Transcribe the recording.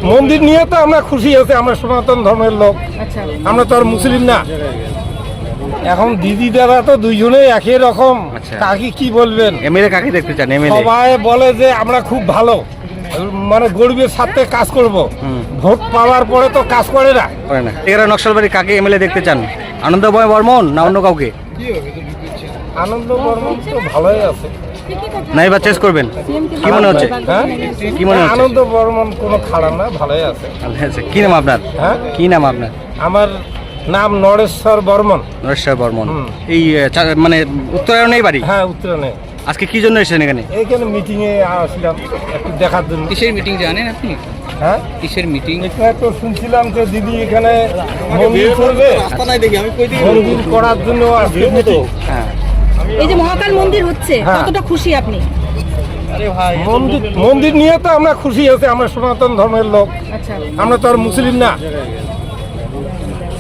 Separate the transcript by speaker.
Speaker 1: মন্দির নিয়ে তো আমরা খুশি আছি, আমরা সনাতন ধর্মের লোক, আমরা তো আর মুসলিম না। এখন দিদি দাদা তো দুইজনেই একই রকম, কাকি কি বলবেন?
Speaker 2: এমএলএ কাকে দেখতে চান? এমএলএ
Speaker 1: সবাই বলে যে আমরা খুব ভালো, মানে গরিবের সাথে কাজ করব, ভোট পাওয়ার পরে তো কাজ করে না।
Speaker 2: এরা নকশালবাড়ি কাকে এমএলএ দেখতে চান? আনন্দময় বর্মন না অন্য কাউকে?
Speaker 1: আনন্দ বর্মন তো ভালোই আছে,
Speaker 2: না এবার চেঞ্জ করবেন কি মনে হচ্ছে?
Speaker 1: হ্যাঁ
Speaker 2: কি মনে হচ্ছে?
Speaker 1: আনন্দ বর্মন কোনো খারাপ না, ভালোই আছে।
Speaker 2: আচ্ছা, কি নাম আপনার?
Speaker 1: হ্যাঁ,
Speaker 2: কি নাম আপনার?
Speaker 1: আমার নাম নরেশ্বর বর্মন।
Speaker 2: নরেশ্বর বর্মন। এই মানে উত্তরায়ণেই বাড়ি?
Speaker 1: হ্যাঁ, উত্তরায়ণে।
Speaker 2: আজকে কি জন্য এসেছেন এখানে?
Speaker 1: এইখানে মিটিং এ আসলাম একটু দেখার জন্য।
Speaker 3: কিসের মিটিং জানেন আপনি?
Speaker 1: হ্যাঁ,
Speaker 3: কিসের মিটিং?
Speaker 1: এখানে তো শুনছিলাম যে দিদি এখানে মন্দির করবে, মন্দির করার জন্য আসছে মিটিং।
Speaker 2: হ্যাঁ,
Speaker 4: এই যে মহাকাল মন্দির হচ্ছে,
Speaker 1: হ্যাঁ।
Speaker 4: কতটা খুশি আপনি?
Speaker 1: মন্দির নিয়ে তো আমরা খুশি আছি, আমরা সনাতন ধর্মের লোক, আমরা তো আর মুসলিম না।